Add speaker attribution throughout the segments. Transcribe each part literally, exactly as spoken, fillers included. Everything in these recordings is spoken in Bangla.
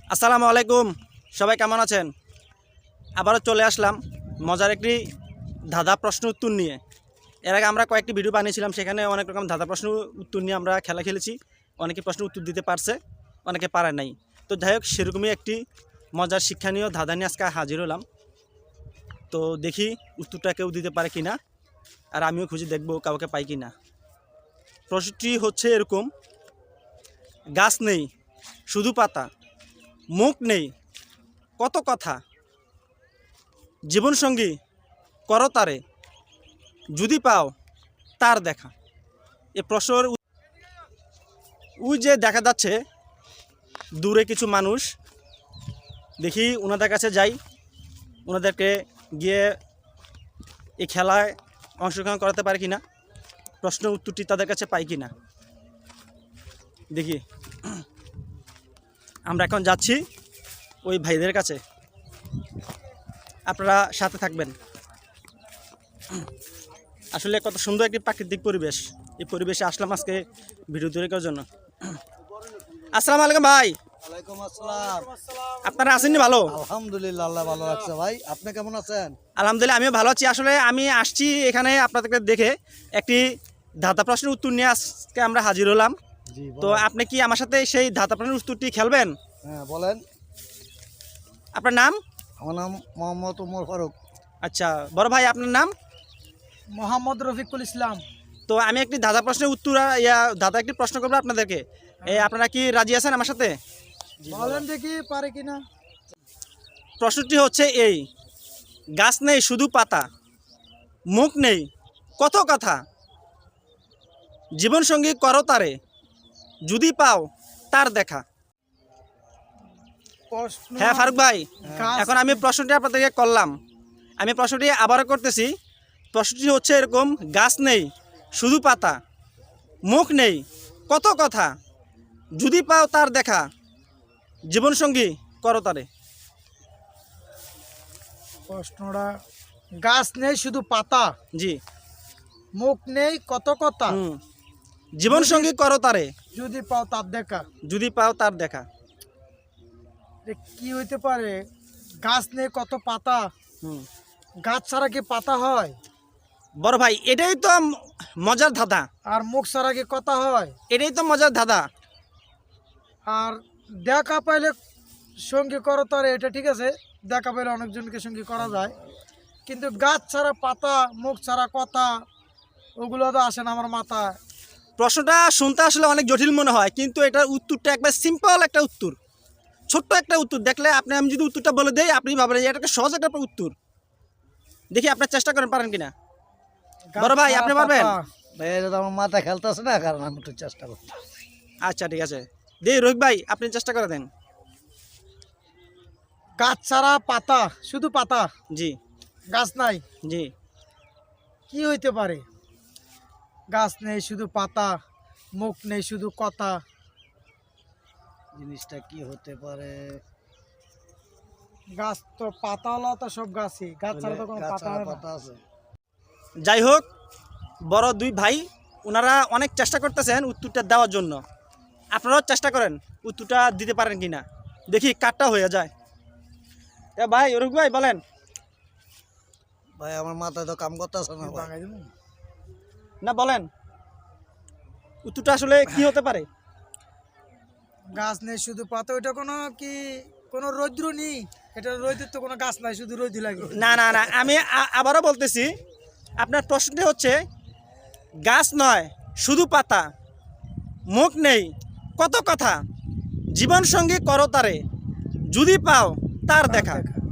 Speaker 1: আসসালামু আলাইকুম, সবাই কেমন আছেন? আবারও চলে আসলাম মজার একটি ধাঁধা প্রশ্ন উত্তর নিয়ে। এর আগে আমরা কয়েকটি ভিডিও বানিয়েছিলাম, সেখানে অনেক রকম ধাঁধা প্রশ্ন উত্তর নিয়ে আমরা খেলা খেলেছি। অনেকে প্রশ্ন উত্তর দিতে পারছে, অনেকে পারে নাই। তো যাই হোক, সেরকমই একটি মজার শিক্ষণীয় ধাঁধা নিয়ে আজকে হাজির হলাম। তো দেখি উত্তরটা কেউ দিতে পারে কি না, আর আমিও খুঁজে দেখব কাউকে পাই কি না। প্রশ্নটি হচ্ছে এরকম: গাছ নেই শুধু পাতা, মুখ নেই কত কথা, জীবনসঙ্গী করো তারে, যদি পাও তার দেখা। এ প্রশ্নের ওই যে দেখা যাচ্ছে দূরে কিছু মানুষ, দেখি ওনাদের কাছে যাই, ওনাদেরকে গিয়ে এই খেলায় অংশগ্রহণ করাতে পারে কিনা, প্রশ্নের উত্তরটি তাদের কাছে পাই কিনা দেখি। আমরা এখন যাচ্ছি ওই ভাইদের কাছে, আপনারা সাথে থাকবেন। আসলে কত সুন্দর একটি প্রাকৃতিক পরিবেশ, এই পরিবেশে আসলাম আজকে ভিডিও তৈরি করার জন্য। আসসালামু আলাইকুম ভাই।
Speaker 2: ওয়ালাইকুম আসসালাম।
Speaker 1: আপনারা আছেননি? ভালো,
Speaker 2: আলহামদুলিল্লাহ, আল্লাহ ভালো রাখছে। ভাই আপনি কেমন আছেন?
Speaker 1: আলহামদুলিল্লাহ আমিও ভালো আছি। আসলে আমি আসছি এখানে আপনাদেরকে দেখে একটি ধাঁধা প্রশ্নের উত্তর নিয়ে আজকে আমরা হাজির হলাম।
Speaker 2: জি,
Speaker 1: তো আপনি কি আমার সাথে সেই ধাঁধা প্রশ্নের উত্তরটি খেলবেন?
Speaker 2: হ্যাঁ বলেন।
Speaker 1: আপনার নাম?
Speaker 2: আমার নাম মোহাম্মদ উমর ফারুক।
Speaker 1: আচ্ছা বড় ভাই, আপনার নাম?
Speaker 3: মোহাম্মদ রফিকুল ইসলাম।
Speaker 1: তো আমি একটি ধাঁধা প্রশ্নের উত্তর ইয়া ধাঁধা একটি প্রশ্ন করবো আপনাদেরকে। এই আপনারা কি রাজি আছেন আমার সাথে?
Speaker 3: বলেন দেখি পারে কিনা।
Speaker 1: প্রশ্নটি হচ্ছে এই: গাছ নেই শুধু পাতা, মুখ নেই কত কথা, জীবনসঙ্গী করো তারে, যদি পাও তার দেখা।
Speaker 3: প্রশ্ন
Speaker 1: হ্যাঁ ফারুক ভাই,
Speaker 3: গাছ-
Speaker 1: এখন আমি প্রশ্নটি আপনাদেরকে করলাম, আমি প্রশ্নটি আবারও করতেছি। প্রশ্নটি হচ্ছে এরকম: গাছ নেই শুধু পাতা, মুখ নেই কত কথা, যদি পাও তার দেখা, জীবনসঙ্গী করো তারে।
Speaker 3: প্রশ্নটা গাছ নেই শুধু পাতা,
Speaker 1: জি,
Speaker 3: মুখ নেই কত কথা,
Speaker 1: হুম, জীবনসঙ্গী করো তারে,
Speaker 3: যদি পাও তার দেখা।
Speaker 1: যদি পাও তার দেখা।
Speaker 3: এ কি হইতে পারে? গাছ নেই কত পাতা,
Speaker 1: হুম,
Speaker 3: গাছ ছাড়া কি পাতা হয়?
Speaker 1: বড় ভাই এটাই তো ম- মজার ধাঁধা,
Speaker 3: আর মুখ ছাড়া কি কথা হয়?
Speaker 1: এটাই তো মজার ধাঁধা।
Speaker 3: আর দেখা পাইলে সঙ্গী করো তার, এটা ঠিক আছে, দেখা পাইলে অনেকজনকে সঙ্গী করা যায়, কিন্তু গাছ ছাড়া পাতা, মুখ ছাড়া কথা, ওগুলো তো আসে না আমার মাথায়।
Speaker 1: প্রশ্নটা শুনতে আসলে অনেক জটিল মনে হয়, কিন্তু এটার উত্তরটা একবার সিম্পল একটা উত্তর, ছোট্ট একটা উত্তর। দেখলে আপনি, আমি যদি উত্তরটা বলে দেই আপনি ভাবলেন যে এটা একটা সহজ একটা উত্তর। দেখি আপনার চেষ্টা করেন, পারেন কিনা। বড় ভাই,
Speaker 3: গাছ
Speaker 1: আপনি
Speaker 3: ছাড়া
Speaker 1: পারবেন?
Speaker 3: পাতা।
Speaker 2: ভাই এটা তো আমার মাথা খেলতেছে না, কারণ আমি একটু চেষ্টা করছি।
Speaker 1: আচ্ছা ঠিক আছে, দেই রোহিত ভাই আপনি চেষ্টা করে দেন।
Speaker 3: গাছ ছাড়া পাতা, শুধু পাতা,
Speaker 1: জি
Speaker 3: গাছ নাই,
Speaker 1: জি,
Speaker 3: কি হইতে পারে? গাছ নেই শুধু পাতা, মুখ নেই শুধু কথা,
Speaker 2: জিনিসটা কি হতে পারে?
Speaker 3: গাছ তো পাতাওয়ালা তো সব গাছই, গাছ ছাড়া তো কোনো
Speaker 2: গাছ
Speaker 3: পাতা
Speaker 2: ছাড়া
Speaker 3: হয় না।
Speaker 2: পাতা আছে।
Speaker 1: যাই হোক, বড় দুই ভাই ওনারা অনেক চেষ্টা করতেছেন উত্তরটা দেওয়ার জন্য। আপনারাও চেষ্টা করেন উত্তরটা দিতে পারেন কিনা, দেখি কাটটা হয়ে যায়। তা ভাই রোহিত ভাই বলেন।
Speaker 2: ভাই আমার মাথায় তো কাম করতেছে না ভাই।
Speaker 3: বাঙালি দিমু?
Speaker 1: না বলেন, উত্তরটা আসলে কি হতে পারে?
Speaker 3: গাছ নেই শুধু পাতা, ওইটা কোনো কি কোনো রৌদ্র নেই? এটা রৌদ্রের তো কোনো গাছ নাই, শুধু রৌদ্র লাগে।
Speaker 1: না না না, আমি আ- আবারও বলতেছি, আপনার প্রশ্নটি হচ্ছে গাছ নয় শুধু পাতা, মুখ নেই কত কথা, জীবন সঙ্গী করো তারে, যদি পাও তার দেখা।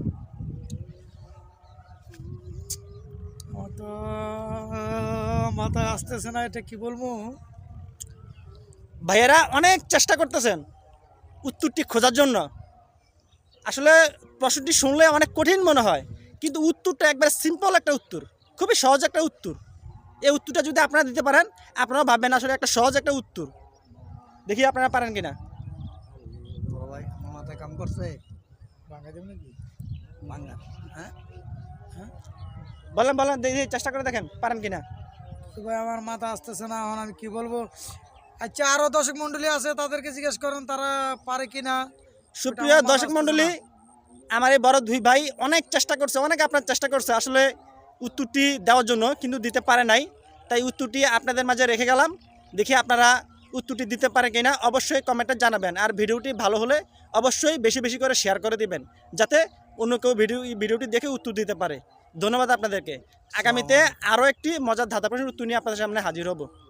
Speaker 3: আমার তো মাথায় আসতেছে না, এটা কি বলবো?
Speaker 1: ভাইয়েরা অনেক চেষ্টা করতেছেন উত্তরটি খোঁজার জন্য। আসলে প্রশ্নটি শুনলে অনেক কঠিন মনে হয়, কিন্তু উত্তরটা একবার সিম্পল একটা উত্তর, খুবই সহজ একটা উত্তর। এই উত্তরটা যদি আপনারা দিতে পারেন, আপনারাও ভাববেন আসলে একটা সহজ একটা উত্তর। দেখি আপনারা পারেন কিনা।
Speaker 2: বড় ভাই আমার মাথায় কাম করছে।
Speaker 3: বাঙালি দিমু নাকি?
Speaker 2: বাংলা, হ্যাঁ
Speaker 1: বলেন বলেন, দেখি চেষ্টা করে দেখেন পারেন কিনা।
Speaker 3: তো ভাই আমার মাথা আসতেছে না, এখন আমি কি বলবো? আচ্ছা আরো দর্শক মন্ডলী আছে, তাদেরকে জিজ্ঞেস করেন তারা পারে কিনা।
Speaker 1: সুপ্রিয়
Speaker 3: আমার মাথা
Speaker 1: দর্শক
Speaker 3: আসতেছে
Speaker 1: মণ্ডলী, আমার এই বড় দুই ভাই অনেক চেষ্টা করছে, অনেক আপনার চেষ্টা করছে আসলে উত্তরটি দেওয়ার জন্য, কিন্তু দিতে পারে নাই। তাই উত্তরটি আপনাদের মাঝে রেখে গেলাম। দেখি আপনারা উত্তরটি দিতে পারে কিনা, অবশ্যই কমেন্টে জানাবেন। আর ভিডিওটি ভালো হলে অবশ্যই বেশি বেশি করে শেয়ার করে দিবেন, যাতে অন্য কেউ ভিডিও ভিডিওটি দেখে উত্তর দিতে পারে। ধন্যবাদ আপনাদেরকে। আগামীতে আরও একটি মজার ধাঁধা প্রশ্নের উত্তর নিয়ে আপনাদের সামনে হাজির হব।